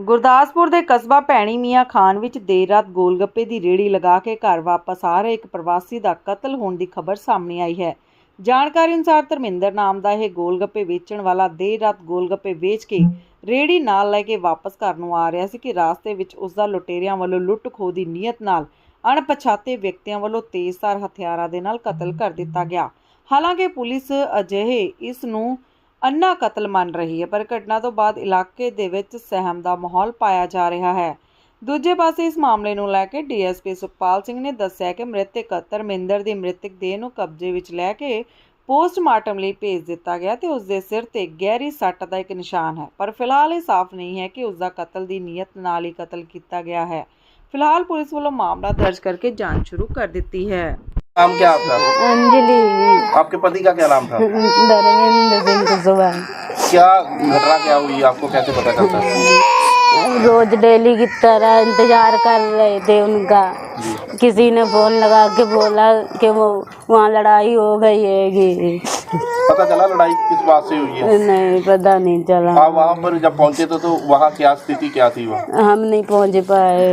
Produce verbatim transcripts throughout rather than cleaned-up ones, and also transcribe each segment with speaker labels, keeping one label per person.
Speaker 1: ਗੁਰਦਾਸਪੁਰ ਦੇ ਕਸਬਾ ਭੈਣੀ ਮੀਆਂ ਖਾਨ ਵਿੱਚ ਦੇਰ ਰਾਤ ਗੋਲਗੱਪੇ ਦੀ ਰੇਹੜੀ ਲਗਾ ਕੇ ਘਰ ਵਾਪਸ ਆ ਰਹੇ ਇੱਕ ਪ੍ਰਵਾਸੀ ਦਾ ਕਤਲ ਹੋਣ ਦੀ ਖਬਰ ਸਾਹਮਣੇ ਆਈ ਹੈ। ਜਾਣਕਾਰੀ ਅਨੁਸਾਰ ਧਰਮਿੰਦਰ ਨਾਮ ਦਾ ਇਹ ਗੋਲਗੱਪੇ ਵੇਚਣ ਵਾਲਾ ਦੇਰ ਰਾਤ ਗੋਲਗੱਪੇ ਵੇਚ ਕੇ ਰੇਹੜੀ ਨਾਲ ਲੈ ਕੇ ਵਾਪਸ ਘਰ ਨੂੰ ਆ ਰਿਹਾ ਸੀ ਕਿ ਰਾਸਤੇ ਵਿੱਚ ਉਸ ਦਾ ਲੁਟੇਰਿਆਂ ਵੱਲੋਂ ਲੁੱਟ ਖੋਹ ਦੀ ਨੀਅਤ ਨਾਲ ਅਣਪਛਾਤੇ ਵਿਅਕਤੀਆਂ ਵੱਲੋਂ ਤੇਜ਼ਧਾਰ ਹਥਿਆਰਾਂ ਦੇ ਨਾਲ ਕਤਲ ਕਰ ਦਿੱਤਾ ਗਿਆ। ਹਾਲਾਂਕਿ ਪੁਲਿਸ ਅਜਿਹੇ ਇਸ ਨੂੰ ਅੰਨਾ ਕਤਲ ਮੰਨ ਰਹੀ ਹੈ, ਪਰ ਘਟਨਾ ਤੋਂ ਬਾਅਦ ਇਲਾਕੇ ਦੇ ਵਿੱਚ ਸਹਿਮ ਦਾ ਮਾਹੌਲ ਪਾਇਆ ਜਾ ਰਿਹਾ ਹੈ। ਦੂਜੇ ਪਾਸੇ ਇਸ ਮਾਮਲੇ ਨੂੰ ਲੈ ਕੇ D S P Sukhpal Singh ਨੇ ਦੱਸਿਆ ਕਿ ਮ੍ਰਿਤਕ ਧਰਮਿੰਦਰ ਦੀ ਮ੍ਰਿਤਕ ਦੇਹ ਨੂੰ ਕਬਜ਼ੇ ਵਿੱਚ ਲੈ ਕੇ ਪੋਸਟਮਾਰਟਮ ਲਈ ਭੇਜ ਦਿੱਤਾ ਗਿਆ ਤੇ ਉਸ ਦੇ ਸਿਰ ਤੇ ਗਹਿਰੀ ਸੱਟ ਦਾ ਇੱਕ ਨਿਸ਼ਾਨ ਹੈ, ਪਰ ਫਿਲਹਾਲ ਇਹ ਸਾਫ਼ ਨਹੀਂ ਹੈ ਕਿ ਉਸ ਦਾ ਕਤਲ ਦੀ ਨੀਅਤ ਨਾਲ ਹੀ ਕਤਲ ਕੀਤਾ ਗਿਆ ਹੈ। फिलहाल पुलिस वालों मामला दर्ज करके जांच शुरू कर दी है।
Speaker 2: नाम क्या आपका?
Speaker 3: अंजलि।
Speaker 2: आपके पति का क्या नाम था?
Speaker 3: धर्मेंद्र सिंह कुशवाहा।
Speaker 2: क्या घटना क्या हुई, आपको कैसे पता चलता है?
Speaker 3: रोज डेली की तरह इंतजार कर रहे थे उनका। किसी ने फोन लगा के बोला कि वो वहाँ लड़ाई हो गई है।
Speaker 2: पता चला लड़ाई किस बात से हुई है?
Speaker 3: नहीं पता नहीं चला।
Speaker 2: आप वहाँ पर जब पहुँचे तो, तो वहाँ क्या स्थिति क्या थी? वो
Speaker 3: हम नहीं पहुँच पाए।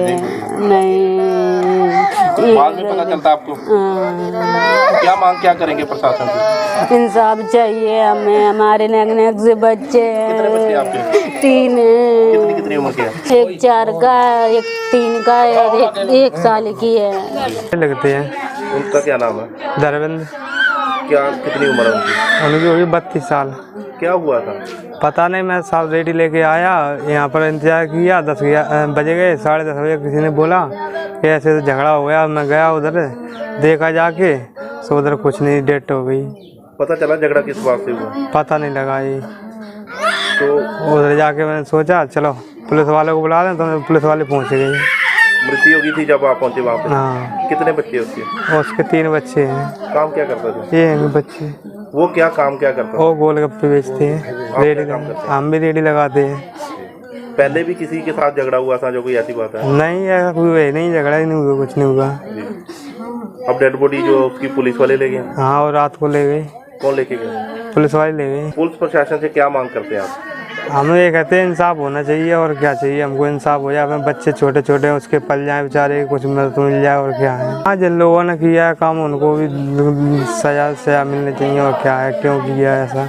Speaker 3: नहीं
Speaker 2: बाद में पता चलता आपको? क्या मांग क्या करेंगे प्रशासन से?
Speaker 3: इंसाफ चाहिए हमें। हमारे नेक नेक से बच्चे
Speaker 2: कितने बच्चे आपके?
Speaker 3: तीन है।
Speaker 2: कितनी कितनी उम्र के हैं?
Speaker 3: एक चार का है, एक तीन का है, एक, एक साल की है।
Speaker 4: लगते हैं।
Speaker 2: उनका क्या नाम है?
Speaker 4: धर्मेंद्र।
Speaker 2: क्या कितनी उम्र है उनकी?
Speaker 4: उनकी होगी बत्तीस साल।
Speaker 2: क्या हुआ था?
Speaker 4: पता नहीं, मैं साहब रेडी लेके आया, यहाँ पर इंतजार किया, दस बजे गए, साढ़े दस बजे किसी ने बोला कि ऐसे तो झगड़ा हो गया। मैं गया उधर, देखा जाके सो उधर कुछ नहीं, डेथ हो गई।
Speaker 2: पता चला झगड़ा किस बात से हुआ?
Speaker 4: पता नहीं लगा ये।
Speaker 2: तो
Speaker 4: उधर जाके मैंने सोचा चलो पुलिस वालों को बुला दें, तो पुलिस वाले पहुँच गए।
Speaker 2: मृत्यु हो गई थी जब आप पहुंचे वहाँ पे?
Speaker 4: हाँ।
Speaker 2: कितने बच्चे उसके?
Speaker 4: उसके तीन बच्चे हैं।
Speaker 2: काम क्या करता था?
Speaker 4: ये हैं बच्चे।
Speaker 2: वो क्या काम क्या करता?
Speaker 4: वो गोलगप्पे बेचते हैं, रेडी
Speaker 2: काम करते हैं?
Speaker 4: हम भी रेडी लगाते हैं।
Speaker 2: पहले भी किसी के साथ झगड़ा हुआ था जो कोई ऐसी बात है?
Speaker 4: नहीं, ऐसा कोई हुआ नहीं, झगड़ा ही नहीं हुआ, कुछ नहीं हुआ।
Speaker 2: अब डेड बॉडी जो उसकी पुलिस वाले ले गए?
Speaker 4: हाँ, और रात को ले गए।
Speaker 2: कौन लेके गए?
Speaker 4: पुलिस वाले ले गए।
Speaker 2: पुलिस प्रशासन से क्या मांग करते हैं आप?
Speaker 4: हम ये कहते हैं इंसाफ होना चाहिए, और क्या चाहिए हमको, इंसाफ हो जाए। अपने बच्चे छोटे छोटे हैं, उसके पल जाए बेचारे, कुछ मदद मिल जाए, और क्या है। हाँ, जिन लोगों ने किया है काम उनको भी सजा सजा मिलनी चाहिए, और क्या है, क्यों किया ऐसा।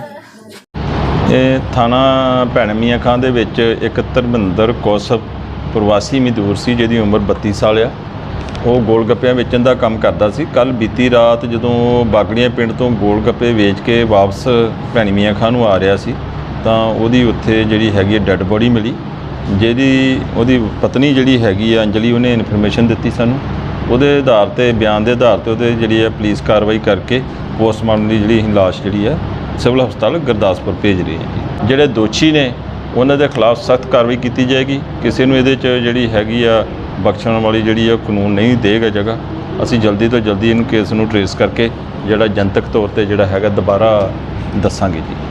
Speaker 5: ਇਹ ਥਾਣਾ ਭੈਣ ਮੀਆਂ ਖਾਨ ਦੇ ਵਿੱਚ ਇੱਕ ਧਰਮਿੰਦਰ ਕੌਸ਼ਪ ਪ੍ਰਵਾਸੀ ਮਜ਼ਦੂਰ ਸੀ, ਜਿਹਦੀ ਉਮਰ ਬੱਤੀ ਸਾਲ ਆ। ਉਹ ਗੋਲਗੱਪਿਆਂ ਵੇਚਣ ਦਾ ਕੰਮ ਕਰਦਾ ਸੀ। ਕੱਲ ਬੀਤੀ ਰਾਤ ਜਦੋਂ ਬਾਗੜੀਆਂ ਪਿੰਡ ਤੋਂ ਗੋਲਗੱਪੇ ਵੇਚ ਕੇ ਵਾਪਸ ਭੈਣ ਮੀਆਂ ਖਾਨ ਨੂੰ ਆ ਰਿਹਾ ਸੀ, ਤਾਂ ਉਹਦੀ ਉੱਥੇ ਜਿਹੜੀ ਹੈਗੀ ਡੈੱਡ ਬੋਡੀ ਮਿਲੀ, ਜਿਹਦੀ ਉਹਦੀ ਪਤਨੀ ਜਿਹੜੀ ਹੈਗੀ ਆ ਅੰਜਲੀ, ਉਹਨੇ ਇਨਫੋਰਮੇਸ਼ਨ ਦਿੱਤੀ ਸਾਨੂੰ। ਉਹਦੇ ਆਧਾਰ 'ਤੇ, ਬਿਆਨ ਦੇ ਆਧਾਰ 'ਤੇ ਉਹਦੇ ਜਿਹੜੀ ਹੈ ਪੁਲਿਸ ਕਾਰਵਾਈ ਕਰਕੇ ਪੋਸਟਮਾਰਟਮ ਦੀ ਜਿਹੜੀ ਲਾਸ਼ ਜਿਹੜੀ ਹੈ ਸਿਵਲ ਹਸਪਤਾਲ ਗੁਰਦਾਸਪੁਰ ਭੇਜ ਰਹੀ ਹੈ ਜੀ। ਜਿਹੜੇ ਦੋਸ਼ੀ ਨੇ ਉਹਨਾਂ ਦੇ ਖਿਲਾਫ ਸਖਤ ਕਾਰਵਾਈ ਕੀਤੀ ਜਾਏਗੀ। ਕਿਸੇ ਨੂੰ ਇਹਦੇ 'ਚ ਜਿਹੜੀ ਹੈਗੀ ਆ ਬਖਸ਼ਣ ਵਾਲੀ ਜਿਹੜੀ ਆ ਕਾਨੂੰਨ ਨਹੀਂ ਦੇਗਾ ਜਗ੍ਹਾ। ਅਸੀਂ ਜਲਦੀ ਤੋਂ ਜਲਦੀ ਇਹਨੂੰ ਕੇਸ ਨੂੰ ਟਰੇਸ ਕਰਕੇ ਜਿਹੜਾ ਜਨਤਕ ਤੌਰ 'ਤੇ ਜਿਹੜਾ ਹੈਗਾ ਦੁਬਾਰਾ ਦੱਸਾਂਗੇ ਜੀ।